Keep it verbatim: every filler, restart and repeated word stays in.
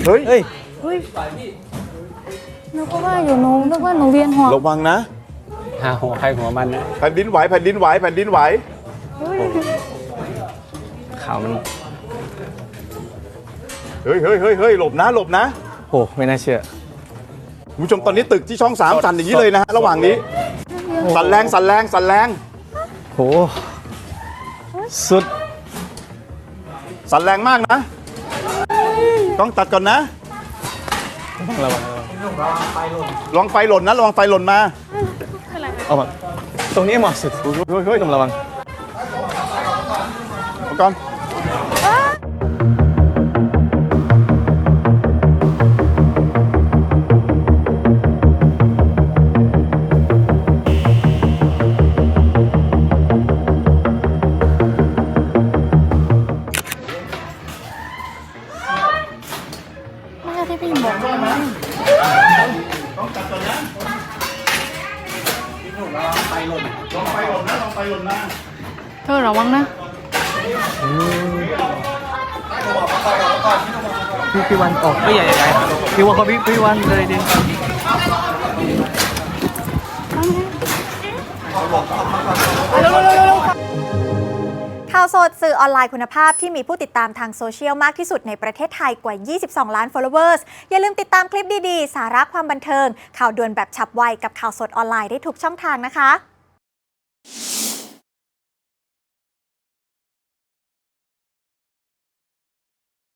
ฮ้ยเฮ้ยเฮ้ยนึกว่าอยู่หนูนึกว่าหนูเวียนหัวระวังนะหาหัวใครหัวมันนะแผ่นดินไหวแผ่นดินไหวแผ่นดินไหวเฮ้ยข่าวมันเฮ้ยเฮ้ยเฮ้ยเฮ้ยหลบนะหลบนะโหไม่น่าเชื่อคุณผู้ชมตอนนี้ตึกที่ช่องสามสั่นอย่างนี้เลยนะฮะระหว่างนี้สั่นแรงสั่นแรงสั่นแรงโหสุดสั่นแรงมากนะต้องตัดก่อนนะต้องระวังลองไฟหล่นนะลองไฟหล่นมาเอามาตรงนี้เหมาะสุดเฮ้ยเฮ้ยเฮ้ยต้องระวังเอาก่อนไม่ใช่ที่พี่บอกนะต้องตัดก่อนนะลองไฟหล่นนะลองไฟหล่นนะเธอระวังนะพี่พี่วันออกไม่ใหญ่ใหญ่พี่ว่าเขาพี่พี่วันเลยดิข่าวสดสื่อออนไลน์คุณภาพที่มีผู้ติดตามทางโซเชียลมากที่สุดในประเทศไทยกว่า ยี่สิบสอง ล้าน followers อย่าลืมติดตามคลิปดี ๆ สาระความบันเทิง ข่าวด่วนแบบฉับไวกับข่าวสดออนไลน์ได้ทุกช่องทางนะคะ